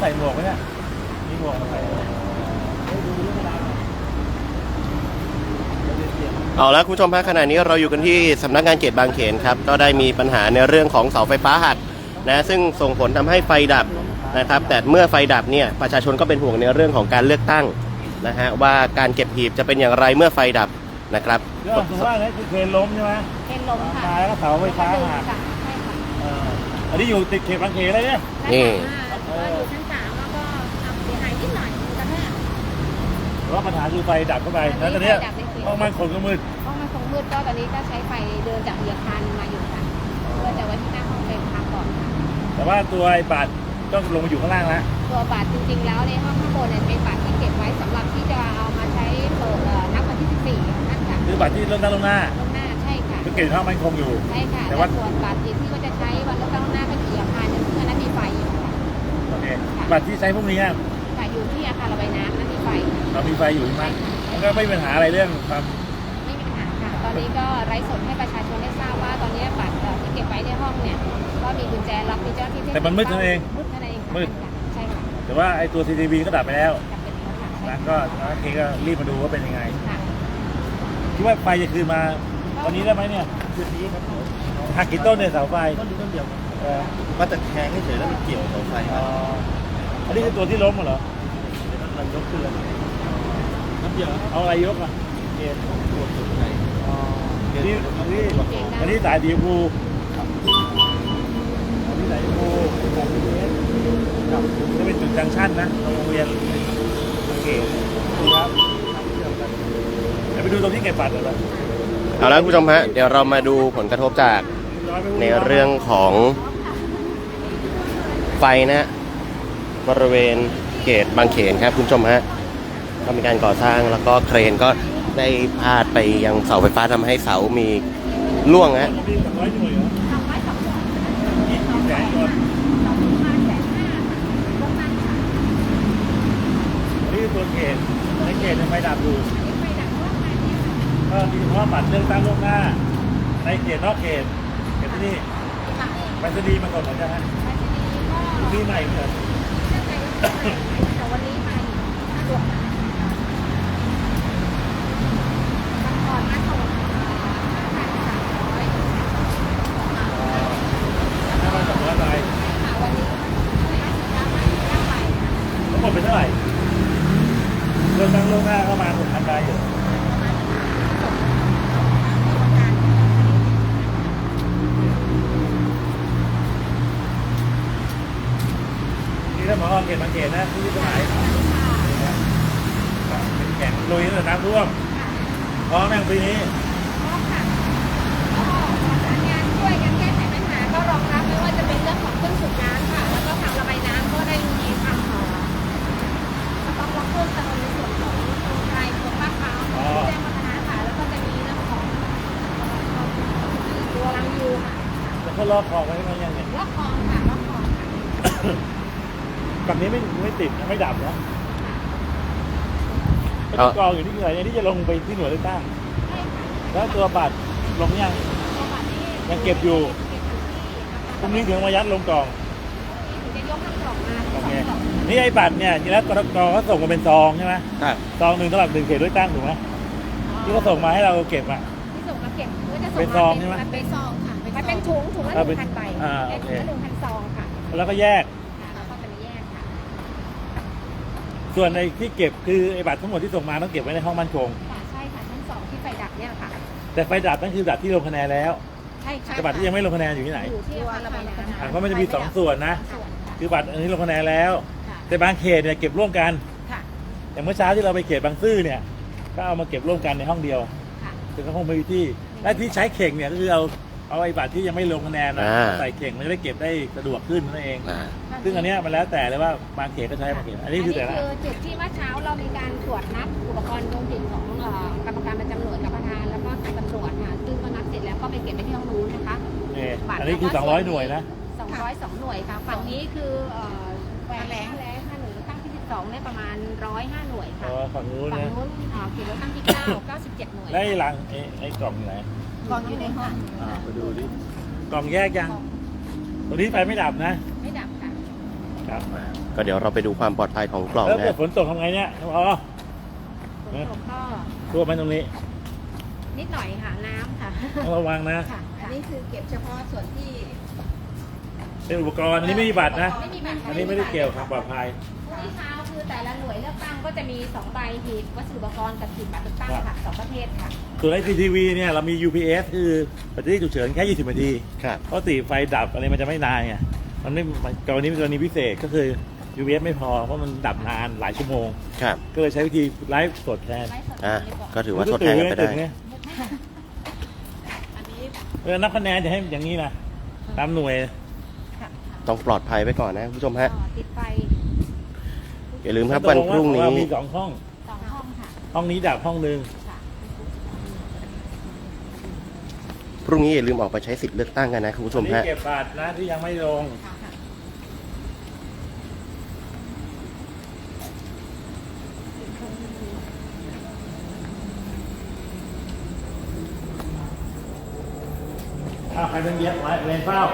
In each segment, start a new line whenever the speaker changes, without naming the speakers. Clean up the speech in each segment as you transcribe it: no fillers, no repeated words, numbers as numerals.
ส่หมวกไหมเนี่ยมีหมวกมาใส่
เอาละคุณผู้ชมฮะขณะนี้เราอยู่กันที่สำนักงานเขตบางเขนครับก็ได้มีปัญหาในเรื่องของเสาไฟฟ้าหักนะซึ่งส่งผลทำให้ไฟดับนะครับแต่เมื่อไฟดับเนี่ยประชาชนก็เป็นห่วงในเรื่องของการเลือกตั้งนะฮะว่าการเก็บหีบจะเป็นอย่างไรเมื่อไฟดับนะครับ
เรื่องสุดว่าเนี่ยคือเครนล้มใช่ไหม
เป็นลมค่ะ
ตายแล้วก็เสาไฟฟ้าหัก
ใช่ค่ะ
อันนี้อยู่ติดเขตบางเขนเลยเนี่ย
นี่
ก็อยู่ชั้น3แล้วก็เสียหายนิดหน่อยกระแทก
เพราะปัญหาคือไฟดับเข้าไปแล้วตอนนี้ห้องมันขนก็มืด
ห้องมันคงมืดก็ตอนนี้ก็ใช้ไฟเดินจากอาคารมาอยู่ค่ะเพื่อจะไว้ที่หน้าห้องเป็นทางก่อนค่ะ
แต่ว่าตัวไอ้บัตรต้องลงมาอยู่ข้างล่างแล้ว
ตัวบัตรจริงๆแล้วในห้องข้างบนเนี่ยเป็นบัตรที่เก็บไว้สำหรับที่จะเอามาใช้เปิดนับวันที่14นั่นค่ะ
คือบัตรที่เริ่มตั้งล่วงหน้า
ล่วงหน้าใช่ค่ะ
ก็เก็บห้องมันคงอยู่
ใช่ค่ะ
แต่
แต่
ว่า
ส่วนบัตรที่ก็จะใช้วันเลือกตั้งล่วงหน้าก็อยู่อาคารนึงซึ่งอันนั้นมีไฟอยู่ค่ะ
โอเคบัตรที่ใช้พวกนี้อะ
ค่ะอยู่ที่อาคารระบายน้ำนั่นมีไฟ
เรามีไฟอยู่ใช่ไหม
ใช่ค่ะ
มันก็ไม่มีปัญหาอะไรเรื่องความ
ไม่มีปัญหาค่ะ ตอนนี้ก็ไร้สดให้ประชาชนได้ทราบว่าตอนนี้บัตรที่เก็บไว้ในห้องเนี่ยก็มีกุญแจล็อกมีเจ้าหน้าที่
แต่มันมืดเท่านั้นเอง
มืดเท่านั้นเองค่ะ
มืด
ใช่ค่ะ
แต่ว่าไอ้ตัว CCTV ก็ดับไปแล้ว
จำเป็นแล้วค่ะใช่
นะก็โอเคก็รีบมาดูว่าเป็นยังไง
ค่ะ
คิดว่าไฟจะคืนมาตอนนี้ได้ไหมเนี่ยคืนนี้ครับหักกี่ต้นเนี่ยเสาไฟต้นเดียวมาแต่แทงเฉยแล้วมันเกี่ยวเสาไฟอันนี้คือตัวที่ล้มเหรอมันยกขึ้นเลยน้ำเดียวเอาอะไรยกอ่ะเกณฑ์ตัวสุดไหนอันนี้สายดีฟูอันนี้สายดีฟูจะเป็นจุดจังชั่นนะโรงเรียนโอเคครับเดี๋ยวไปดูตรงที่เก็บบัตรเลย
เอาละคุณผู้ชมฮะเดี๋ยวเรามาดูผลกระทบจากในเรื่องของไฟนะบริเวณเขตบางเขนครับคุณผู้ชมฮะก็มีการก่อสร้างแล้วก็เครนก็ได้พาดไปยังเสาไฟฟ้าทำให้เสามีร่วงฮะ
นี่ตัวเขตในเขตยังไม่ดับอยู่ก็มีเฉพาะบัตรเลือกตั้งล่วงหน้าในเขตนอกเขตเขตที่นี่ไปสดีมาก่อนเหมือนกันฮะที่ใหม่เหมือน
แต่วันนี้มาสะดวกก่อนมาส่ง
ถ้ามาจากว่าอะไร
วันนี้
ทั้งหมดเป็นเท่าไหร่เลือกตั้งล่วงหน้าเข้ามา6,000 รายอยู่นี่ถ้าหมอเขตบางเขตนะที่สมัยเป็นแข่งลุยตั้งแต่น้ำท่วมพร้อมแม่งปีนี้
งานช่วยกันแก้ไขปัญหาก็รองรับไม่ว่าจะเป็นเรื่องของเครื่องสูบน้ำค่ะแล้วก็ทางระบายน้ำก็ได้มีทำสต็อกล็อกเพิ่มเติมในส่วนของโครงการโครงลาดพร้าวแจ้งวัฒนะค่ะแล้วก็จะมีเรื่องของตัวรังยูค่ะ
แล้วก็ลอกคลองไว้ไหมยังเนี่ย
ล็อกคลองค่ะล็อกคลองค่ะ
ฝั่งนี้ไม่ติดไม่ดับนะเป็นกองอยู่ที่ไหนที่จะลงไปที่หน่วยเลือกตั้ง
ใช่ค่ะ
แล้วตัวบัตรลงยัง
ตัวบัตรนี่
ยังเก็บอยู่พรุ่งนี้ถึงมายัดลงกล่อง
จะยกทั้งกล่องมา
โอ
สอง
เค
กล่อง
นี่ไอ้บัตรเนี่ยจริงแล้วกรกตเขาส่งมาเป็นซองใช่ไหม
ครับ
ซองหนึ่งสำหรับ1 เขตเลือกตั้งถูกไหมที่เขาส่งมาให้เราเก็บอ่ะ
ที่ส่งมาเก็บก็จะส่ง
เป็นซองใช่ไหม
มันเป็นซองค่ะมันเป็นถุงละ 1,000 ใบ
โอ
เป็น
เค
ถุงละ 1,000 ซองค่ะ
แล้วก็แยก
แล้วก็จะมีแยกค่ะ
ส่วนในที่เก็บคือไอ้บัตรทั้งหมดที่ส่งมาต้องเก็บไว้ในห้องมั่นคง
ค่ะใช่ค่ะชั้น2ที่ไฟดับเนี่ยค่ะ
แต่ไฟดับนั่นคือบัตรที่ลงคะแนนแล้ว
ใช่ค่ะ
แต่บัตรที่ยังไม่ลงคะแนนอยู่ที่ไหน
อยู่ที่อาคารระบายน้ำ
เพราะมันจะมี2 ส่วนนะ
ส่วน
คือบัตรอันนี้ลงคะแนนแล้ว
ค่ะ
แต่บางเขตเนี่ยเก็บร่วมกัน
ค่ะ
อย่างเมื่อเช้าที่เราไปเขตบางซื่อเนี่ยก็เอามาเก็บร่วมกันในห้องเดียว
ค่ะ
คือก็คงไม่มีที่และที่ใช้เข่งเนี่ยก็คือเอาไอ้บัตรที่ยังไม่ลงคะแนนนะใส่เข่งมันจะได้เก็บได้สะดวกขึ้นนั่นเอง ซึ่งอันเนี้ยมันแล้วแต่เลยว่าบางเขตก็ใช้บางเขตอันนี้คือแต่ละ
จุดที่ว่าเช้าเรามีการตรวจนับอุปกรณ์ดวงจิตของกรรมการประจำหน่วยกับประธานแล้วก็ตำรวจค่ะซึ่งก็นับเสร็จแล้วก็ไปเก็บไปที่ห้องนู้นนะคะ
นี่อันนี้คือ200 หน่วยนะ
202 หน่วยค่ะฝั่งนี้คือแหวนแรงค่ะหน่วยตั้งที่12เนี่ยประมาณ105 หน่วยค่ะ
ฝั่งนู้น
ฝั่ง
นะ
นู้นเขตเลือกตั้งที่9 97 หน่วย
แล้วไอ้ลังไอ้กล่องอยู่ไหน
กองอยู่ในห้อง
ไปดูดิกล่องแยกยังตรงนี้ไฟไม่ดับนะ
ไม่ดับค่ะ
ครับครับ
ก็เดี๋ยวเราไปดูความปลอดภัยของกล่อง
แล้ว
นะ
เกิดฝนตกทำไงเนี่ยอ๋อ
ฝนตกก็
ท่วมไหมตรงนี้
นิดหน่อยค่ะน้ำค่ะ
ต้องระวังนะ
ค่ะ
อันนี้คือเก็บเฉพาะส่วนที่
เป็นอุปกรณ์อันนี้ไม่มีบัตรนะ
ไม่มีบัตร
อันนี้ไม่ได้เกี่ยวกับปลอดภัย
พรุ่งนี้เช้าคือแต่ละหน่วยเลือกตั้งก็จะมี2ใบหีบวัสดุอุปกรณ์กับหีบบัตรเลือกตั้งค่ะ2ประเภทค่ะ
ส่วนไอทีวีเนี่ยเรามี UPS คือแบตเตอรี่ฉุกเฉินแค่20นาที
ครับ
เพราะติไฟดับอะไรมันจะไม่นานไงมันไม่กรณีเป็นกรณีพิเศษก็คือ UPS ไม่พอเพราะมันดับนานหลายชั่วโมง
ครับ
ก็เลยใช้วิธีไลฟ์สดแทน
ไลฟ์สด
อ่ะ
ดีกว่า
ก็ถือว่าทดแทนกันไปได้
เนี่ย
อันนี้
นับคะแนนจะให้อย่างนี้นะตามหน่วย
ค่ะ
ต้องปลอดภัยไว้ก่อนนะคุณผู้ชมฮะ
ติดไฟ
อย่าลืมครับวันพรุ่งนี้
มี2ห้อง
2ห้องค่ะ
ห้องนี้ดับห้องนึง
ค่ะ
พรุ่งนี้อย่าลืมออกไปใช้สิทธิ์เลือกตั้งกันนะคุณผู้ชม
อันนี้
ฮะ
เก็บบัตรนะที่ยังไม่ลง
ค่ะ
อ้าวใครเป็นเย็บไว้เลนเฝ้า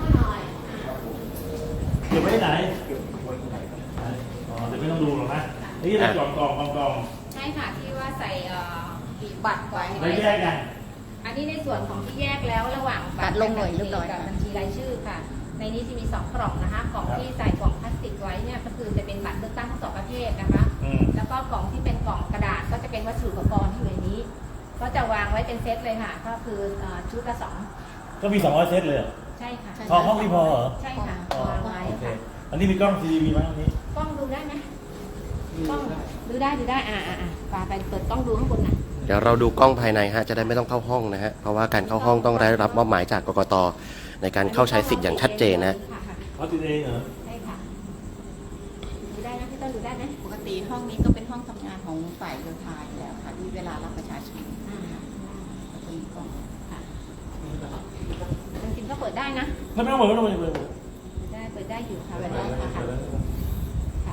เก็บไว้ที่ไหนอ๋อเดี๋ยวไม่ต้องดูหรอกนะนี่เป็นกล่อง
ใช่ค่ะที่ว่าใส่หีบบัตรไว้
แล้วแยกกัน
อันนี้ในส่วนของที่แยกแล้วระหว่าง
ตัดลงหน่วยเรียบร้อย
กับบัญชีรายชื่อค่ะ ในนี้จะมี2กล่องนะคะกล่องที่ใส่กล่องพลาสติกไว้เนี่ยก็คือจะเป็นบัตรเลือกตั้งทั้ง2ประเภทนะคะ
อืม
แล้วก็กล่องที่เป็นกล่องกระดาษก็จะเป็นวัสดุอุปกรณ์ที่อยู่ในนี้ ก็จะวางไว้เป็นเซตเลยค่ะ ก็คือชุดละ2
ก็มี200เซตเลยเหรอ
ใช่ค่ะ
พอห้องนี้พอเหรอ
ใช่ค่ะ
อ๋อ
วางไว้
โอเค
ค่ะ
อันนี้มีกล้อง CCTV ไหมอันนี้
กล้องดูได้ไหมกล้องดูได้ไปเปิดกล้องดูข้างบนหน่อย
เดี๋ยวเราดูกล้องภายในฮะจะได้ไม่ต้องเข้าห้องนะฮะเพราะว่าการเข้าห้องต้องได้รับมอบหมายจากกกตในการเข้าใช้สิทธิ์อย่างชัดเจนนะ
ค่ะ
เขาติดเองเหรอ
ใช่ค่ะดูได้นะพี่ต้นดูได้ไหม
ปกติห้องนี้ก็เป็นห้องทำงานของฝ่ายโยธาอยู่แล้วค่ะที่เวลารับประชาชน
อ่า
ก็จะมีกล้อง
ค่ะจริงๆก็เปิดได้นะ
ไม่ต้องเปิดไม่ต้องเปิด
เปิดได้อยู่ค่ะเปิดได้ค่ะค่ะ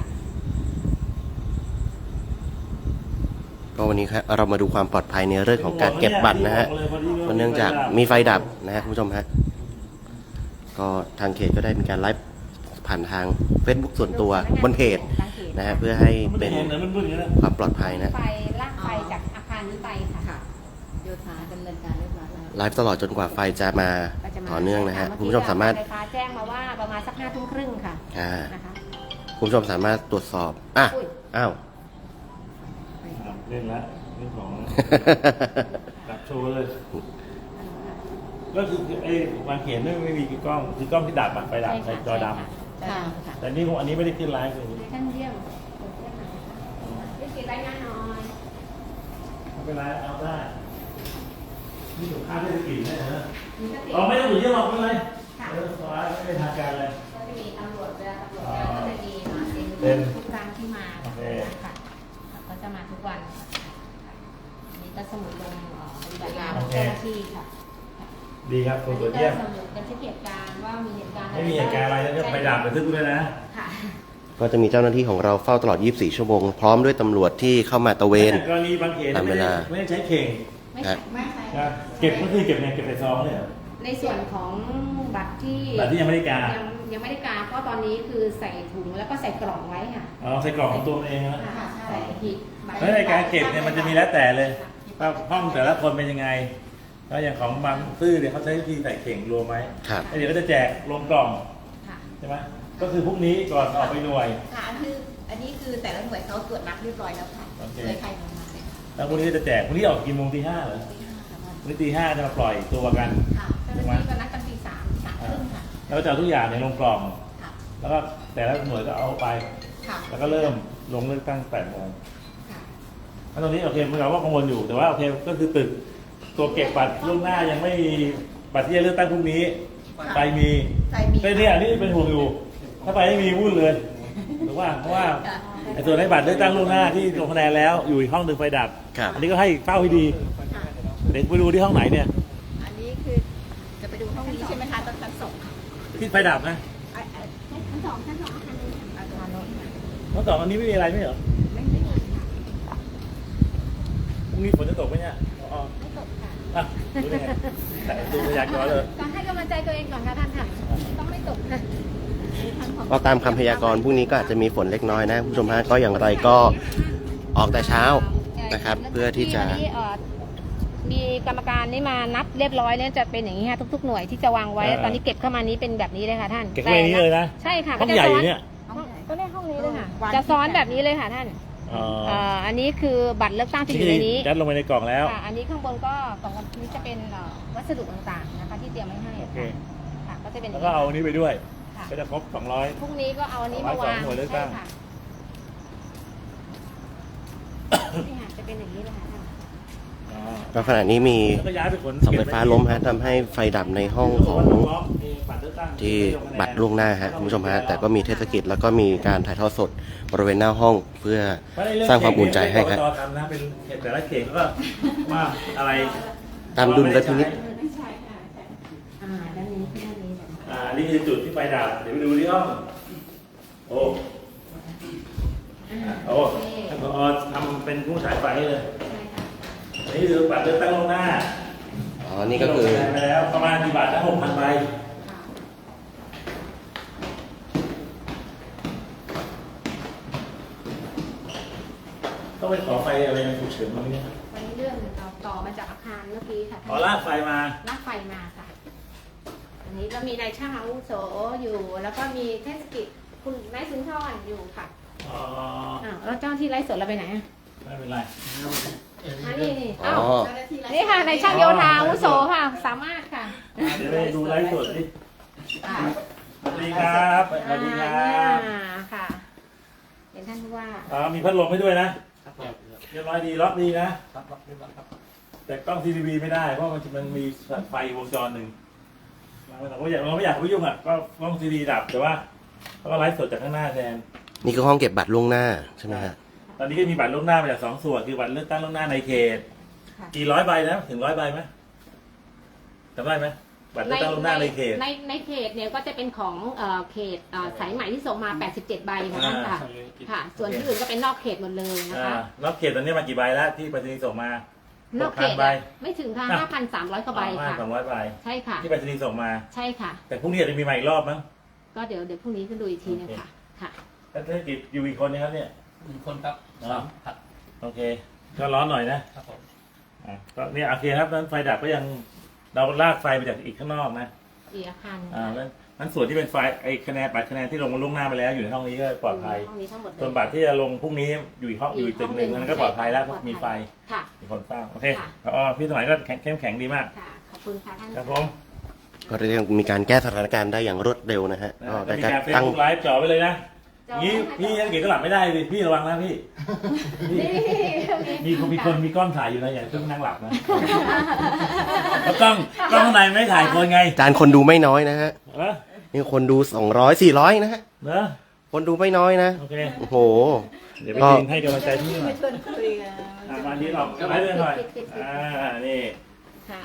ก็วันนี้ครับเรามาดูความปลอดภัยในเรื่องของการเก็บบัตรนะฮะเพราะเนื่องจากมีไฟดับนะฮะคุณผู้ชมฮะก็ทางเขตก็ได้มีการไลฟ์ผ่านทาง Facebook ส่วนตัวบนเพจนะฮะเพื่อให้
มัน
เป็น
เห็นเหรอมันมืดอย่างนี้นะ
ความปลอดภัยนะ
ไฟลากไฟจากอาคารนี้ไปค่ะ
ค่ะ โยธาดำเนินการเรียบร้อยแล้ว
ไลฟ์ตลอดจนกว่าไฟจะมา
ก็จะมา
ต่อเนื่องนะฮะ
เมื่อ
คุณ
กี้
ผู้ชมสามารถ
ไฟฟ้าแจ้งมาว่าประมาณสัก5 ทุ่มครึ่งค่ะ
อ่า
นะคะ
คุณผู้ชมสามารถตรวจสอบอ่ะ
อุ้ย
อ้าว
เล่นละเล่นของดับโชว์เลย ก็คือไอ้วางเขียนไม่มีกล้องคือกล้องที่ดับอะไฟดับไฟจอด
ค่ะ
ำแต่นี่อันนี้ไม่ได้ขึ้นไลฟ์เลย
ท่านเยี่ยมวิกฤตรายงานหน่อย
ไม่เป็นไรเอาได้นี่ถูกค่าเทศกิจเนี่ยนะ
มีสติ
เราไม่ต้องอยู่เยอะหรอกไม่เป็นไร
ค่ะ
สบายไม่เป็นทางการเลย
ก็จะมีตำรวจเวลาตำรวจมาก็จะมีเซ็น
เป็น
ทุกครั้งที่มา
โอเค
ค่ะก็จะมาทุกวันอันนี้ก็สมุดลงปฏิบัติงานของเจ้าหน้าที่ค่ะ
ดีครับ
อัน
ตัว
นี้
เยี่ยม
ก็สมุดบันทึกเหตุการณ์ว่ามีเหตุการณ์
ไม่มีเหตุการณ์อะไรแล้วก็ไปดับไปทึกด้วยนะ
ค่ะ
ก็จะมีเจ้าหน้าที่ของเราเฝ้าตลอด 24 ชั่วโมง พร้อมด้วยตำรวจที่เข้ามาตระเวน
กรณีบางเขน
ตามเวลา
ไม่ได้ใช้เข่ง
ไม่ใช่ไม่ใช่
นะเก็บก็คือเก็บในซองเนี่ย
ในส่วนของบัตรที่
บัตรที่ยังไม่ได้การ
ยังไม่ได้การเพราะตอนนี้คือใส่ถุงแล้วก็ใส่กล่องไว้ค่ะ
เอาใส่กล่องของตัวเองนะ
ค่ะใส่หีบบัตร
แล้วในการเก็บเนี่ยมันจะมีแล้วแต่เลยว่าห้องแต่ละคนเป็นยังไงแล้วอย่างของบางซื่อเนี่ยเขาใช้วิธีใส่เข่งรวมไหม
ครับ
แล้วเดี๋ยวก็จะแจกลงกล่อง
ค่ะ
ใช่ไหมก็คือพรุ่งนี้ก่อนออกไปหน่วย
ค่ะอันนี้คือแต่ละหน่วยเขาตรวจนับเรียบร้อยแล้วค่ะ
โอเค
เลยใครลงมาเลย
แล้วพรุ่งนี้ก็จะแจกพรุ่งนี้ออกกี่โมงตี 5เหรอ
ที่5ค่ะ
พรุ่งนี้ตี 5จะมาปล่อยตัวกัน
ค่ะ
เจ้าหน้าที่ก็นัดกันตี3 3 ครึ่งค่ะ
แล้วจะเอาทุกอย่างในยลงกล่อง
ค่ะ
แล้วก็แต่ละหน่วยก็เอาไป
ค่ะ
แล้วก็เริ่มลงเลือกตั้ง8 โมง
ค่ะ
แล้วตรงนี้โอเคเมื่อกี้ว่ากังวลอยู่แต่ว่าโอเคก็คือตึกตัวเก็บบัตรล่วงหน้ายังไม่มีบัตรที่จะเลือกตั้งพรุ่งนี้ไปมี
ใครมี
เป็นเนี่ยนี่เป็นห่วงอยู่ ถ้าไปไม่มีวุ่นเลยหรือว่าเพราะว่าไอ้ส่วนให้บัตรเลือกตั้งล่วงหน้าที่ลงคะแนนแล้วอยู่อีกห้องหนึ่งไฟดับ
ครับ
อันนี้ก็ให้เฝ้าให้ดี
ค่ะ
เด็กไปดูที่ห้องไหนเนี่ย
อันนี้คือจะไปดูห้องนี้ใช่ไหมคะตอนชั้นสอง
ที่ไฟดับนะ
ชั้น2อาคารนึง
อาคารโน้น
ห้องสองอันนี้ไม่มีอะไรไม่เหรอ
ไม่มีค่ะ
พรุ่งนี้ฝนจะตกไหมเนี่ยอ๋อ
ไม่ตกค่ะ
อ่ะดูได้ไงดูพยากรณ์เลย
ก็ให้กำลังใจตัวเองก่อนค่ะท่านค่ะ ต้องไม่ตกค่ะ
ก็ตามคำพยากรณ์พรุ่งนี้ก็อาจจะมีฝนเล็กน้อยนะคุณผู้ชมฮะก็อย่างไรก็ออกแต่เช้านะครับเพื่อที่จะ
วันนี้มีกรรมการนี่มานับเรียบร้อยแล้วจะเป็นอย่างนี้ค่ะทุกๆหน่วยที่จะวางไว้ตอนนี้เก็บเข้ามานี้เป็นแบบนี้เลยค่ะท่าน
เก็บไว้ในนี้เลยนะ
ใช่ค่ะ
ห้องใหญ่อยู่เนี่ย
ก็ได้ห้องนี้เลยค่ะจะซ้อนแบบนี้เลยค่ะท่าน
อ๋อ
อันนี้คือบัตรเลือกตั้งที่อยู่ในนี้
ยัดลงไปในกล่องแล้ว
ค่ะอันนี้ข้างบนก็กล่องนี้จะเป็นวัสดุต่างๆนะคะที่เตรียมไว้ให้
โอเค
ค่ะก็จะเป็น
แล้วก็เอาอันนี้ไปด้วย
ค่ะ
ก็จะครบ 200
พรุ่งนี้ก็เอาอันนี้มาวาง
หน่วยเลือกตั้ง
ใช่ค่ะนี่ค่ะจะเป็นอย่างนี้เลยค่ะท่าน
อ๋อ
ก็ขณะนี้มี
แล้วก็ย้ายไปขน
เสาไฟฟ้าล้มฮะทำให้ไฟดับในห้องของที่บัตรล่วงหน้าฮะคุณผู้ชมฮะแต่ก็มีเทศกิจแล้วก็มีการถ่ายทอดสดบริเวณหน้าห้องเพื่อสร้างความอุ่นใจให้ครับ
กกตทำนะเป็นเขตแต่ละเขตก็ว่าอะไร
ตามดุลและพินิจ
ด้านนี้ด้านนี้แบบ
นี่คือจุดที่ไฟดับเดี๋ยวไปดูที่ห้องโอ้ท่านผอทำเป็นผู้ฉายไฟให้เลย
ใช่ค่ะ
นี่คือบัตรเลือกตั้งล่วงหน้า
อ๋อนี่ก็คือ
ลงคะแนนไปแล้วประมาณกี่บาทนะ6,000 ใบ
ค่ะ
ต้องไปขอไฟอะไรฉุกเฉินมั้งเนี่ย
วันนี้เรื่องเราต่อมาจากอาคารเมื่อกี้ค่ะ
ขอลากไฟมา
ลากไฟมาค่ะ อันนี้เรามีนายช่างอาวุโสอยู่ แล้วก็มีเทศกิจคุณนายสุนทรอยู่ค่ะ
อ๋อ
อ้าวแล้วเจ้าที่ไลฟ์สดเราไปไหนอ่ะ
ไม่เป็นไร
มานี่นี่
อ๋
อ้าว
อ
นี่ค่ะนายช่างโยธาอาวุโสค่ะ สามารถค่ะ
เดี๋ยวไปดูไลฟ์สดดิสวัสดีครับสวัสดีครับ
ค่ะเป็นท่านผู้ว่า
มีพัดลมให้ด้วยนะเรียบร้อยดีล็อกดีนะแต่กล้องทีวีไม่ได้เพราะมันมีไฟวงจรหนึ่งเราไม่อยากไปยุ่งอ่ะก็กล้องทีวีดับแต่ว่าเขาก็ไลฟ์สดจากข้างหน้าแทน
นี่คือห้องเก็บบัตรล่วงหน้าใช่ไหมฮะ
ตอนนี้ก็มีบัตรล่วงหน้ามาจาก2 ส่วนคือบัตรเลือกตั้งล่วงหน้าในเขต
ค่ะ
กี่ร้อยใบนะถึง100 ใบไหมจำได้ไหมบัตรเลือกตั้งล่วงหน้าในเขต
ในเขตเนี่ยก็จะเป็นของเขตสายใหม่ที่ส่งมา 87 ใบค่ะท่านค่ะ ค่ะ ส่วนที่อื่นก็เป็นนอกเขตหมดเลยนะคะ
นอกเขตตอนนี้มากี่ใบแล้วที่ไปรษณีย์ส่งมาน
อกเขต
6,000 ใบ
ไม่ถึงค่ะ 5,300 กว่าใบค่ะ
5,200 ใบ
ใช่ค่ะ
ที่ไปรษณีย์ส่งมา
ใช่ค่ะ
แต่พรุ่งนี้อาจจะมีมาอีกรอบมั้ง
ก็เดี๋ยวพรุ่งนี้ขึ้นดูอีกทีนึงค่ะ ค่ะ
แล้วเทศกิจอยู่อีกคนนึงครับเนี่ย
1 คนครับ
อ๋อ
3 ผัด
โอเค ก็ร้อนหน่อยนะครับ
ผม
ก็เนี่ยโอเคครับนั้นไฟดับก็ยังเราลากไฟมาจากอีกข้างนอกนะ
อีกอาคาร
นั้นส่วนที่เป็นไฟไอ้คะแนนบัตรคะแนนที่ลงมาล่วงหน้าไปแล้วอยู่ในห้องนี้ก็ปลอดภัย
ห้องนี้ทั้งหมดเลย
ส่วนบัตรที่จะลงพรุ่งนี้อยู่อีกห้องอยู่อีกตึกหนึ่งนั้นก็ปลอดภัยแล้วเพราะมีไฟ
ค่ะ
มีคนเฝ้าโอเค
ค่ะ
พี่สมัยก็เข้มแข็งดีมาก
ค่ะ ขอบคุณค่ะท่าน
ครับผม
ก็เรียกมีการแก้สถานการณ์ได้อย่างรวดเร็วนะฮะก็
แล้ว
ได้
มี
การ
การเฟซ
ตั้ง
บุ๊กไลฟ์จ่อไปเลยนะ
จ่อ
นี้
ให้
พี่
จ่อ
นักเกียรติก็หลับไม่ได้ดิพี่ระวังนะพี่มีคนมีกล้องถ่ายอยู่นะอย่าเพิ่งนั่งหลับนะแล้วกล้องข้างในไม่ถ่ายคนไง
จานคนดูไม่น้อยนะฮะ
เออ
นี่คนดู200 400นะฮะ
เนอะ
คนดูไม่น้อยนะ
โอเค
โอ้โห
เดี๋ยวไปยืนให้กำลังใจพี่หน่อย
ชวนคุยกัน
มาที่เราไลฟ์เลยหน่อยนี่
ค่ะ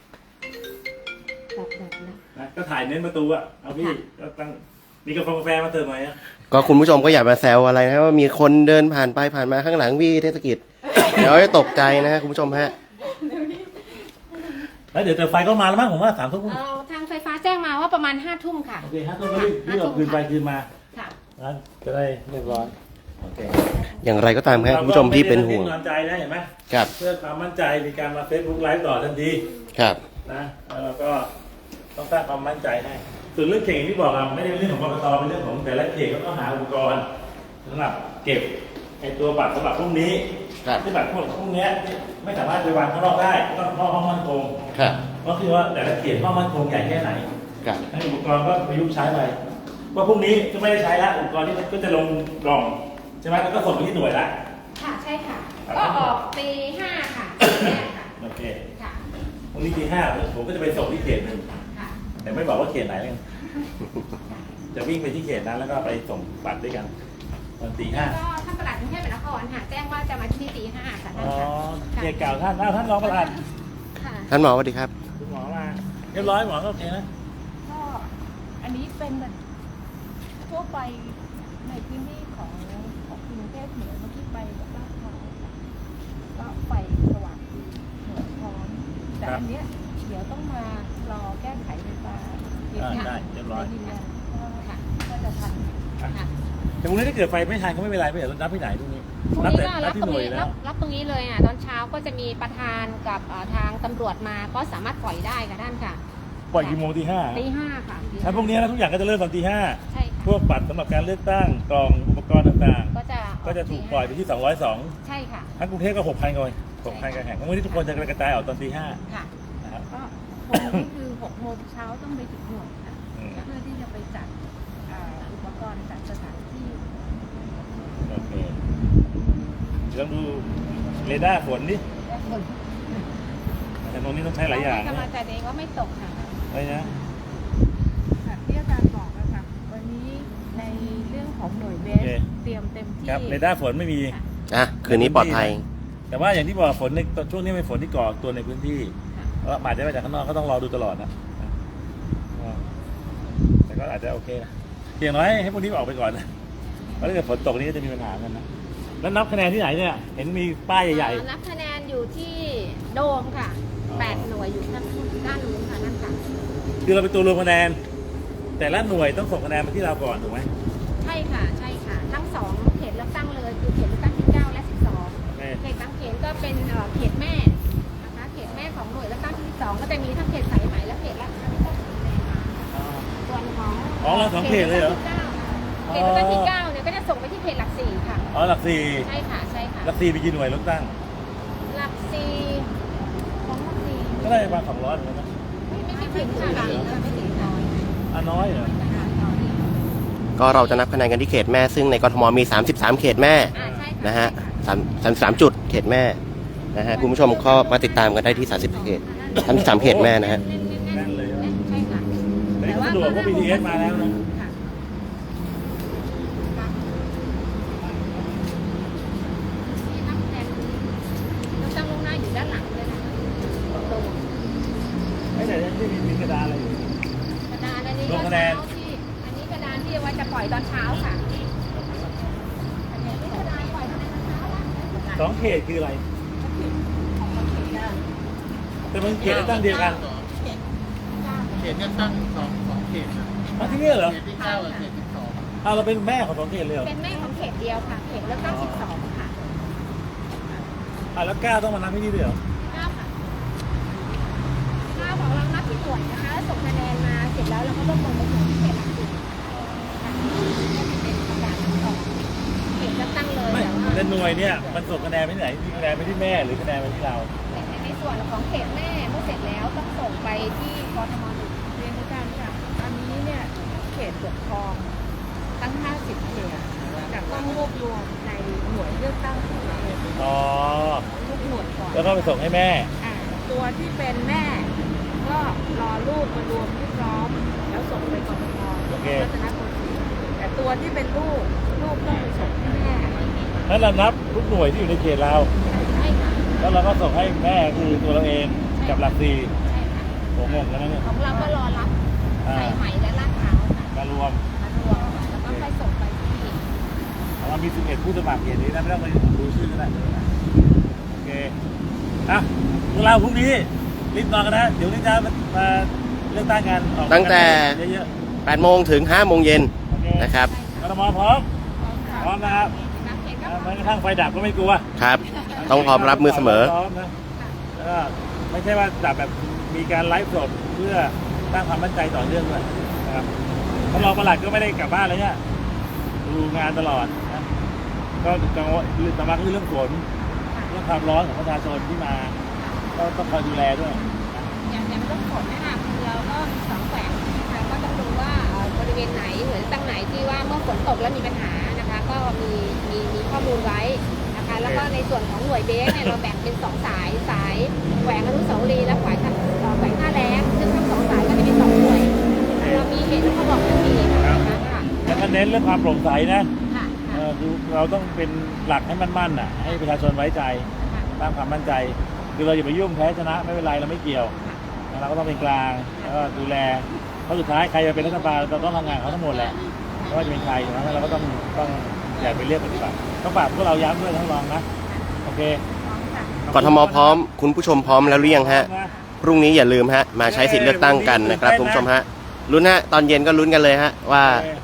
ดับนะ
นะก็ถ่ายเน้นประตูอ่ะเอาพี่ก็ตั้งมีกาแฟมาเติมหน่อยนะ
ก็คุณผู้ชมก็อย่ามาแซวอะไรนะว่ามีคนเดินผ่านไปผ่านมาข้างหลังพี่เทศกิจ เดี๋ยวจะตกใจนะคุณผู้ชมฮะ
แล้วเดี๋ยวไฟก็มาแล้วมั้งผมว่า3 ทุ่ม
ทางไฟฟ้าแจ้งมาว่าประมาณ5 ทุ่มค่ะ
โอเค5 ทุ่มก็รีบเอาคืนไปคืนมา
ค่ะ
นะจะได้เรียบร้อยโอเค
อย่างไรก็ตามครับคุณผู้ชมที่เป็นห่วง
เราก็ไม่ได้กำลังใจนะเห็นไหม
ครับ
เพื่อความมั่นใจมีการมาเฟซบุ๊กไลฟ์ต่อทันที
ครับ
นะแล้วเราก็ต้องสร้างความมั่นใจให้ส่วนเรื่องเข่งที่บอกอะไม่ได้เป็นเรื่องของกกตเป็นเรื่องของแต่ละเขตเขาต้องหาอุปกรณ์สำหรับเก็บไอ้ตัวบัตรสำหรับพวกนี้
ครับ
ที่บัตรพวกเนี้ยไม่สามารถไปวางข้างนอกได้ต้องเข้าห้องมั่นคง
ครับ
ก็คือว่าแต่ละเขตห้องมั่นคงใหญ่แค่ไหน
ครับ
ให้อุปกรณ์ก็ประยุกต์ใช้ไปว่าพรุ่งนี้ก็ไม่ได้ใช้แล้วอุปกรณ์ที่ก็จะลงกล่องใช่ไหมแล้วก็ส่งไปที่หน่วยละ
ค่ะ ใช่ค่ะ ก็ออกตี 5 ค่ะแรกค่ะ
โอเค
ค่ะ
พรุ่งนี้ตี 5ผมก็จะไปส่งที่เขตหนึ่ง
ค่ะ
แต่ไม่บอกว่าเขตไหนเลยจะวิ่งไปที่เขตนั้นแล้วก็ไปส่งบัตรด้วยกันตอนตี 5
ก็ท่านประหลัดกรุงเทพมหานครค่ะแจ้งว่าจะมาที่ตี 5 ค่ะท่า
อ๋
น
อ
ค่ะ
เขตเก่าท่านท่านรองประธาน
ค่ะ
ท่านหมอสวัสดีครับ
คุณหมอมาเรียบร้อยหมอก็โอเคนะ
ก็อันนี้เป็นแบบทั่วไปในพื้นที่ของกรุงเทพเหนือเมื่อกี้ไปกับลาดพร้าวก็ไฟสว่างดีเหนือพร้อมแต่อันเนี้ยเดี๋ยวต้องมารอแก้ไขไฟฟ้า
ได้เรียบร้อย
ยืนยันว่า
ค่ะ
ว่าจะทัน
ค่ะ
แต่พรุ่งนี้ถ้าเกิดไฟไม่ทันก็ไม่เป็นไรไม่เดี๋ยวเรานับที่ไหนตรงนี้
พรุ่ง
นับ
นี้
แต่
ก็
นั
รั
บบ ที่
ตร
ห
ง
น่วย
นี้
แล้ว
รับตรงนี้เลยตอนเช้าก็จะมีประธานกับทางตำรวจมาก็สามารถปล่อยได้ค่ะท่านค่ะ
ปล่อยกี่โมงตีห้า
ตี 5ค่ะตี
ถ้าพวกนี้นะทุกอย่างก็จะเริ่มตอนตีห้า
ใช่ค่ะ
พวกบัตรสำหรับการเลือกตั้งกล่องอุปกรณ์ต่าง
ก็จะ
ๆ ก็จะถูกปล่อยไปที่ 202
ใช่ค่ะ
ทั้งกรุงเทพก็ 6,000 คน6,000การแข่งทั้งวันนี้ทุกคนจะกระจายออกตอนตีห้า
ค่ะ
นะครับ
ก็คงนี่คือ6 โมงเช้าต้องไปถึงหน่วยค่ะ
อืม
เพื่อที่จะไปจัดอุปกรณ์จัดสถานที่
โอเคลองดูเรดาร์ฝนดิแต่ตรงนี้ต้องใช้หลายอย่าง
กำลั
นะ
งใจเองว่าไม่ตกค่ะ
อะไรนะ
ค่ะที่อาจารย์บอกนะคะวันนี้ในเรื่องของหน่วยเบส
โอเค
เตรียมเต็มที่
ครับเรดาร์ฝนไม่มี
คืนนี้ปลอดภัย
แต่ว่าอย่างที่บอกฝนในช่วงนี้เป็นฝนที่ก่อตัวในพื้นที่แล้วอาจจะมาจากข้างนอกก็ต้องรอดูตลอดนะแต่ก็อาจจะโอเคนะอย่างน้อยให้พวกนี้ออกไปก่อนนะเพราะถ้าเกิดฝนตกนี้ก็จะมีปัญหากันนะแล้วนับคะแนนที่ไหนเนี่ยเห็นมีป้ายใหญ่
นับคะแนนอยู่ที่โดมค่ะ 8 หน่วยอยู่ด้านนู้นค่ะนั่นค่ะ
ๆคือเราเป็นตัวรวมคะแนน แต่ละหน่วยต้องส่งคะแนนมาที่เราก่อนถูกไหม
ใช่ค่ะใช่ค่ะ ทั้ง 2 เขตเลือกตั้งเลยคือเขตเลือกตั้งที่ 9 และ
โอเค
12 เขตบางเขนก็เป็นเขตแม่นะคะเขตแม่ของหน่วยเลือกตั้งที่ 12 ก็จะมีทั้งเขตสายไหมและเขตลาดพร้าวที่ต้องสีแดงมาส่วนของ
อ๋อเรา2 เขตเลยเหรอ
เขตเลือกตั้งที่ 9เนี่ยก็จะส่งไปที่เขตหลัก 4 ค่ะ
อ๋อหลักสี่
ใช่ค่ะใช่ค่ะ
หลักสี่มีกี่หน่วยเลือกตั้ง
หลัก 4 ของหลัก 4
ก็ได้ประมาณ200เหมือนกันนะ
ไม่ถึงค่ะไม่ถึงน้อย
น้อยเหรอ
ก็เราจะนับคะแนนกันที่เขตแม่ซึ่งในกทมมี 33 เขตแม่
ใช่ค่ะ
นะฮะ33 จุดเขตแม่นะฮะคุณผู้ชมก็มาติดตามกันได้ที่30 เขต33 เขตแม่นะฮะ
แน่นเลย
ใช่ค่ะ
แต่นี่ก็สะดวกเพราะ BTS มาแล้วนะ
ค่ะที่นับคะแนนเราตั้งลงหน้าอยู่ด้านหลังเลยนะคะตรง
ไม่แต่ที่มีกระดาษอะไรอยู่
กระดานอันนี้
ล
ก็
งคะแน
เช้าน ที่อันนี้กระดานที่ว่าจะปล่อยตอนเช้าค่ะอันนี้กระดานปล่อยตอนเช้าละ
2 เขตคืออะไร แต่มันเขตเลือกตั้งเดียวกัน
เขตเลือกตั้งสองเขตครับ
มาที่นี่เหรอ
เขตที่ 9 กับเขตที่ 2
เราเป็นแม่ของ2 เขตเลยเหรอ
เป็นแม่ของเขตเดียวค่ะ เขตเลือกตั้ง 12 ค่ะ
แล้ว9ต้องมานับที่นี่ด้วยเหรอ
9ค่ะ9ของเรานับที่หน่วยนะคะแล้วส่งคะแนนมาเสร็จแล้วเราก็รวบรวมไปถึงที่เขตหลักสี่ค่ะเป็นประกาศออกเขตเลือกตั้งเลย
ไม่
แต่ว่า
แต่หน่วยเนี่ยมันส่งคะแนนไปที่ไหนมีคะแนนไปที่แม่หรือคะแนนไปที่เรา
ในส่วนของเขตแม่เมื่อเสร็จแล้วต้องส่งไปที่กทม1
เรียนอาจารย์ค่ะอันนี้เนี่ยเขตปกครองทั้ง 50 เขตจะต้องรวบรวมในหน่วยเลือกตั้งของตัวเอง
อ๋อ
ทุกหน่วยก่อน
แล้วก็ไปส่งให้แม่
ตัวที่เป็นแม่ก็รอลูกมารวมที่พร้อม แล้วส่งไปกทม
โอเค
รัตนโกสินทร์แต่ตัวที่เป็นลูกต้องไปส่งให้แม่
แล้วเรานับทุกหน่วยที่อยู่ในเขตเรา
ใช่ค่ะ
แล้วเราก็ส่งให้แม่คือตัวเราเองกับหลักสี่
ใช่ค่ะ
ผมงงกันนะเนี่ย
ของเราก็รอรับ
อ่า
สายไหมและลาดพร้าวค่ะ
มารวม
มารวมค่ะแล้วก็ค่อยส่งไปที่
เรามี11ผู้สมัครเขตนี้นะไม่ต้องไปดูชื่อก็ได้โอเคอ่ะพวกเราพรุ่งนี้รีบนอนกันนะเดี๋ยวนี้จะมาเลือกตั้งกันออก
ตั้งแต่
เยอะ
8 โมงถึง 5 โมงเย็น
ๆโอเค
นะครับ
กทมพร้อมพร้อมนะครับ
นักเขตก็
แม้กระทั่งไฟดับก็ไม่กลัว
ครับ ต้องพร้อมรับมือเสมอ
พร้อมนะแล้วก็ไม่ใช่ว่าดับแบบมีการไลฟ์สดเพื่อสร้างความมั่นใจต่อเนื่องด้วยนะครับท่านรองปลัดก็ไม่ได้กลับบ้านเลยเนี่ยดูงานตลอดนะก็กังวลสำคัญคือเรื่องฝนเรื่องความร้อนของประชาชนที่มาก็ต้องคอยดูแลด้วย
อย่างเรื่องฝนนะคะเราก็มี2แขวงนะคะก็ต้องดูว่าบริเวณไหนหรือตั้งไหนที่ว่าเมื่อฝนตกแล้วมีปัญหานะคะ ก็มีข้อมูลไว้นะคะ แล้วก็ในส่วนของหน่วยเบสเนี่ยเราแบ่งเป็น2 สายแขวงอนุสาวรีย์และแขวงท่าแรงซึ่งทั้ง2 สายก็จะเป็น2 หน่วยเรามีเห็นแล้วเขาบอกว่ามีนะคะค่ะ
แล้วก็เน้นเรื่องความโปร่งใสนะ
ค่ะ
คือเราต้องเป็นหลักให้มั่นๆน่ะให้ประชาชนไว้ใจสร้างความมั่นใจคือเราอย่าไปยุ่งแพ้ชนะไม่เป็นไรเราไม่เกี่ยวเราก็ต้องเป็นกลางแล้วก็ดูแลเพราะสุดท้ายใครจะเป็นรัฐบาลเราต้องทำงานเขาทั้งหมดแหละไม่ว่าจะเป็นใครนะเราก็ต้องอย่าไปเรียกปฏิบัติต้องฝากพวกเราย้ำด้วยทั้งรองนะโอเค
กทมพร้อม คุณผู้ชมพร้อมแล้วหรือยังฮะ พรุ่งนี้อย่าลืมฮะ มาใช้สิทธิ์เลือกตั้งกันนะครับคุณผู้ชมฮะ ลุ้นฮะ ตอนเย็นก็ลุ้นกันเลยฮะว่า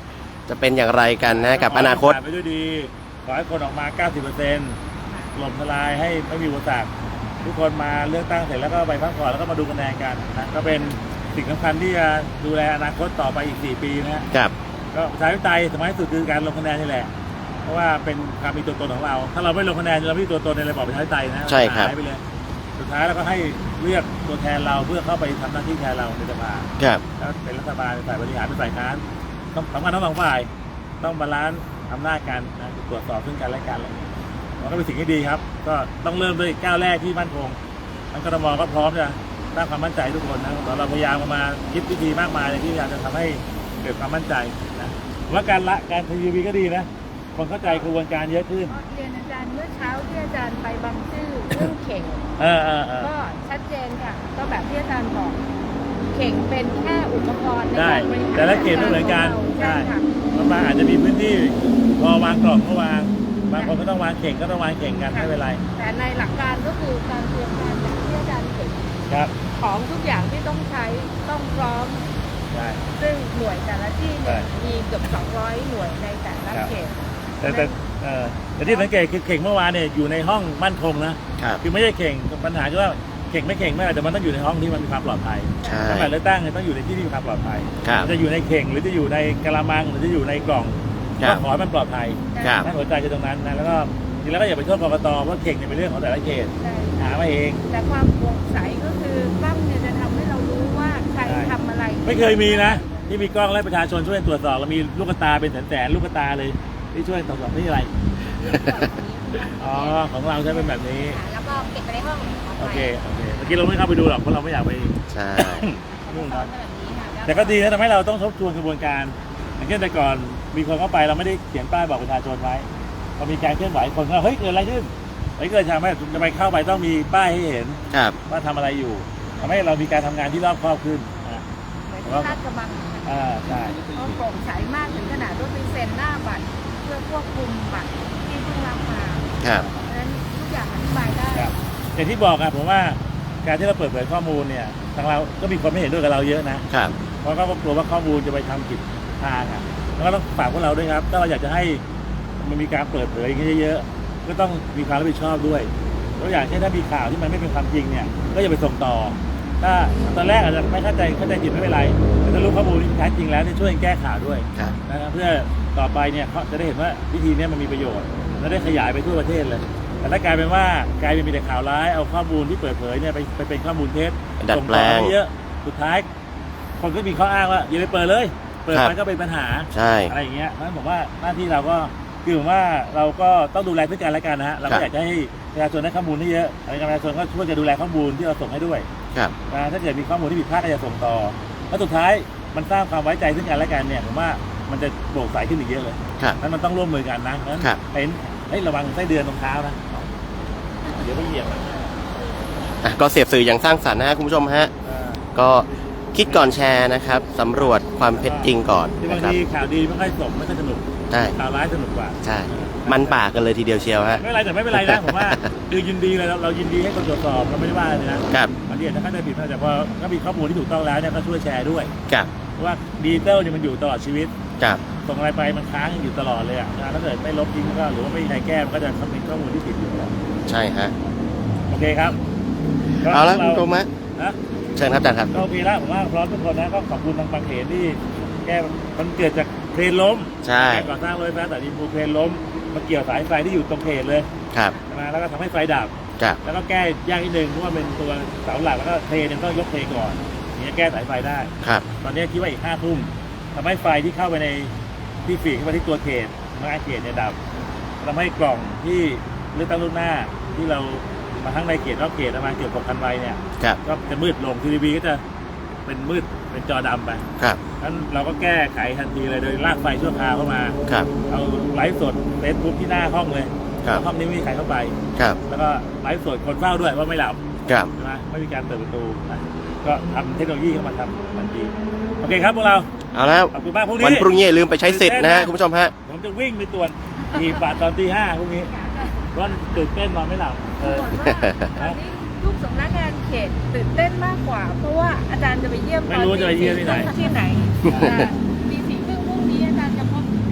จะเป็นอย่างไรกันนะกับอนาคต
ขให้ผ่ไปด้วยดีขอให้คนออกมา 90%ถล่มทลายให้ไม่มีอุปสรรคทุกคนมาเลือกตั้งเสร็จแล้วก็ไปพักผ่อนแล้วก็มาดูคะแนนกันนะก็เป็นสิ่งสำคัญที่จะดูแลอนาคตต่อไปอีก 4 ปีนะฮะ
ครับ
ก็ประชาธิปไตยสมัยที่สุดคือการลงคะแนนนี่แหละเพราะว่าเป็นการมีตัวตนของเรา ถ้าเราไม่ลงคะแนนเราไม่มีตัวตนในระบอบประชาธิปไตยนะ
ใช่ครับ
หายไปเลยสุดท้ายเราก็ให้เลือกตัวแทนเราเพื่อเข้าไปทำหน้าที่แทนเราในสภา
ครับ
แล้วเป็นรัฐบาลเป็นฝ่ายบริหารเป็นฝ่ายค้านต้องสำคัญทั้งสองฝ่ายต้องบาลานซ์อำนาจกันนะตรวจสอบซึ่งกันและกันอะไรอย่างเงี้ยมันก็เป็นสิ่งที่ดีครับ ก็ต้องเริ่มด้วยก้าวแรกที่มั่นคงทางกทมก็พร้อมจะสร้างความมั่นใจทุกคนนะเราพยายามมาคิดวิธีมากมายที่พยายามจะทำให้เกิดความมั่นใจนะผมว่าการทีวีก็ดีนะคนเข้าใจกระบวนการเยอะขึ้น
เรียนอาจารย์เมื่อเช้าที่อาจารย์ไปบางซื่อเรื่องเข่ง ก็ชัดเจนค่ะ ก็แบบที่อาจารย์บอกเข่งเป็นแค่อุปกรณ์ใน
ได้
การบริหาร
แต่ละเขตไม่เหมือนกัน
ใช่ค่ะ
บางอาจจะมีพื้นที่พอวางกล่องก็วางบางคนก็ต้องวางเข่งก็ต้องวางเข่งกันไม่เป็นไร
แต่ในหลักการก็คือการเตรียมการอย่างที่อาจารย์เห็น
ครับ
ของทุกอย่างที่ต้องใช้ต้องพร้อม
ใช่
ซึ่งหน่วยแต่ละที่เนี่ย
ใช่
มีเกือบ200 หน่วยในแต่ละ
ครับ
เขต
แต่ที่สังเกตคือเข่งเมื่อวานเนี่ยอยู่ในห้องมั่นคงนะครับ คือไม่ใช่เข่งปัญหาคือว่าเข่งไม่เข่งไม่อาจจะมันต้องอยู่ในห้องที่มันมีความปลอดภัย
ใช่
ถ้าแบบเลือกตั้งเนี่ยต้องอยู่ในที่ที่มีความปลอดภัย
ครับ
จะอยู่ในเข่งหรือจะอยู่ในกะละมังหรือจะอยู่ในกล่อง
ครั
ก็
บ
ขอให้มันปลอดภัย
ครับ
นั่นหัวใจคือตรงนั้นนะแล้วก็จริงแล้วก็อย่าไปโทษกกตเพราะเข่งเนี่ยเป็นเรื่องของแต่ละเขต
ใช่
หามาเอง
แต่ความโปร่งใสก็คือกล้องเนี่ยจะทำให้เรารู้ว่าใคร
ใช่
ทำอะไร
ไม่เคยมีนะที่มีกล้องและประชาชนช่วยตรวจสอบเรามีลูกตาเป็นแสนๆลูกตาเลยที่ช่วยตรวจสอบนี่อะไรอ๋อของเราใช้เป็นแบบนี้
แล้วก็เก็บไปในห้อง
โอเคเมื่อกี้เราไม่เข้าไปดูหรอกเพราะเราไม่อยากไป
ใช่
นู่น
ซ้อ
นะ
มแบบนี้ค่ะ
แต่ก็ดีนะทำให้เราต้องทบทวนกระบวนการอย่างเช่นแต่ก่อนมีคนเข้าไปเราไม่ได้เขียนป้ายบอกประชาชนไว้พอมีการเคลื่อนไหวคนก็เฮ้ยเกิดอะไรขึ้นเกิดทำให้จะไปเข้าไปต้องมีป้ายให้เห็น
ครับ
ว่าทำอะไรอยู่ทำให้เรามีการทำงานที่รอบคอบขึ้นนะ
เหมือนที่ลาดกระบังนะคะ
ใช่
ก็โปร่งใสมากถึงขนาดว่าไปเซ็นหน้าบัตรเพื่อควบคุมบัตรที่เพิ่งรับมา
ครับ
เพราะฉะนั้นทุกอย่างอธิบายได้
ครับอย่างที่บอกครับผมว่าการที่เราเปิดเผยข้อมูลเนี่ยทางเราก็มีคนไม่เห็นด้วยกับเราเยอะนะครับ เพราะก็กลัวว่าข้อมูลจะไปทำผิดทางอ่ะแล้วก็ต้องฝากพวกเราด้วยครับถ้าเราอยากจะให้มันมีการเปิดเผยอย่างนี้เยอะๆก็ต้องมีความรับผิดชอบด้วยตัวอย่างเช่นถ้ามีข่าวที่มันไม่เป็นความจริงเนี่ยก็อย่าไปส่งต่อถ้าตอนแรกอาจจะไม่เข้าใจผิดไม่เป็นไรแต่ถ้ารู้ข้อมูลที่แท้จริงแล้วเนี่ยช่วยแก้ข่าวด้วย
ครับ
นะครับเพื่อต่อไปเนี่ยเขาจะได้เห็นว่าวิธีนี้มันมีประโยชน์และได้ขยายไปทั่วประเทศเลยแต่ถ้ากลายเป็นมีแต่ข่าวร้ายเอาข้อมูลที่เปิดเผยเนี่ยไปเป็นข้อมูลเท็จ
ดัด
ส่ง
แปล
ต่อง ให้เยอะสุดท้ายคนก็มีข้ออ้างว่าอย่าไปเปิดเลยเปิด
ครับ
ไปก็เป็นปัญหา
ใช่
อะไรอย่างเงี้ยเพราะฉะนั้นผมว่าหน้าที่เราก็คือผมว่าเราก็ต้องดูแลซึ่งกันและกันนะฮะเรา
ครั
ก็
บ
อยากจะให้ประชาชนได้ข้อมูลที่เยอะอะไรประชาชนก็ช่วยจะดูแลข้อมูลที่เราส่งให้ด้วย
ครับ
นะถ้าเกิดมีข้อมูลที่ผิดพลาดก็จะส่งต่อแล้วสุดท้ายมันสร้างความไว้ใจซึ่งกันและกันเนี่ยผมว่ามันจะโปร่งใสขึ้นอีกเยอะเลย
ครับ
นั้นมันต้องร่วมมือกันนะเพราะฉะนั้น
ครับ
เห็นระวังไส้เดือนตรงเท้านะเดี๋ยวไปเหยียบนะ
อ่ะก็เสียบสื่ออย่างสร้างสรรค์นะฮะคุณผู้ชมฮะ ก็คิดก่อนแชร์นะครับสำรวจความเท็จจริงก่อน
ที่
นะ
บาง
ครับ
ทีข่าวดีไม่ค่อยสมไม่ค่อยสนุก
ใช่
ข่าวร้ายสนุกกว่า
ใช่ มันปากกันเลยทีเดียวเชียวฮะ
ไม่เป็นไรแต่ไม่เป็นไรนะผมว่าคือยินดีเลยเรายินดีให้คนตรวจสอบเราไม่ได้ว่าเลยนะครับ บางทีอาจจะเข้าใจผิดนะแต่พอถ้ามีข้อมูลที่ถูกต้องแล้วเนี่ยก็ช่วยแชร์ด้วย
ครับ
เพราะว่าดิจิตอลเนี่ยมันอยู่ตลอดชีวิต
ครับ
ส่งอะไรไปมันค้างอยู่ตลอดเลยอ่ะถ้าเกิดไม่ลบทิ้งก็หรือว่าไม่มีใครแก้มันก็จะเป็นข้อมูลที่ผิดอยู่แล้ว
ใช่ฮะ
โอเคครับ
เอาละคุณผู้ชมฮะ
นะ
เชิญครับอาจารย์ครับ
ก็โอเคแล้วผมว่าพร้อมทุกคนนะก็ขอบคุณทางบางเขนที่แก้มันเกิดจากเครนล้ม
ใช่
การก่อสร้างรถไฟฟ้าสายดินภูเครนล้มมาเกี่ยวสายไฟที่อยู่ตรงเขตเลย
ครับ
นะแล้วก็ทำให้ไฟดับ
ครับ
แล้วก็แก้ยากนิดนึงเพราะว่าเป็นตัวเสาหลักแล้วก็เทเนี่ยต้องยกเทก่อนถึงจะแก้สายไฟได้
ครับ
ตอนนี้คิดว่าอีก5 ทุ่มทำให้ไฟที่เข้าไปในที่ฝีกเข้าไปที่ตัวเขตหน้าเขตเนี่ยดับทำให้กล่องที่เลือกตั้งล่วงหน้าที่เรามาทั้งในเขตนอกเขตประมาณเกือบ6,000 ใบเนี่ย
ครับ
ก็จะมืดลงทีวีก็จะเป็นมืดเป็นจอดำไป
ครับ
งั้นเราก็แก้ไขทันทีเลยโดยลากไฟชั่วคราวเข้ามา
ครับ
เอาไลฟ์สดเฟซบุ๊กที่หน้าห้องเลย
ครับ
ห้องนี้ไม่มีใครเข้าไป
ครับ
แล้วก็ไลฟ์สดคนเฝ้าด้วยว่าไม่หลับ
ครับ
ใช่ไหมไม่มีการเปิดประตูนะก็ทำเทคโนโลยีเข้ามาทำทันทีโอเคครับพวกเรา
เอาแล้ว
ขอบคุณมากพรุ่งนี้
วันพรุ่งนี้อย่าลืมไปใช้สิทธิ์นะฮะคุณผู้ชมฮะ
ผมจะวิ่งไปตรวจทีบาทตอนตี 5พรุ่งนี้เพราะว่าตื่นเต้นนอนไม่หลับ
บอกว่าตอนนี้ทุกสำนักงานเขตตื่นเต้นมากกว่า เพราะว่าอาจารย์จะไปเยี่ยม
ไม่รู้จะไปเยี่ยมที่ไหน
ที่ไหนตี 4 ครึ่งพรุ่งนี้อาจารย์จะพบ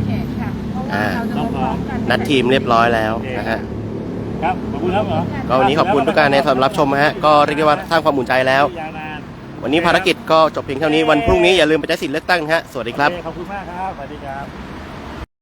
อ่า
เราจะพร้อมๆกัน
นัดทีมเรียบร้อยแล้วนะฮะ
ครับขอบคุณครับหมอ
ก็วันนี้ขอบคุณทุกการในสำหรับรับชมนะฮะก็เรียกได้ว่าสร้างความอุ่นใจแล้ว
ยาวนาน
วันนี้ภารกิจก็จบเพียงเท่านี้วันพรุ่งนี้อย่าลืมไปใช้สิทธิ์เลือกตั้งนะฮะสวัสดีครับ
โอเขอบคุณมากครับสวัสดีครับ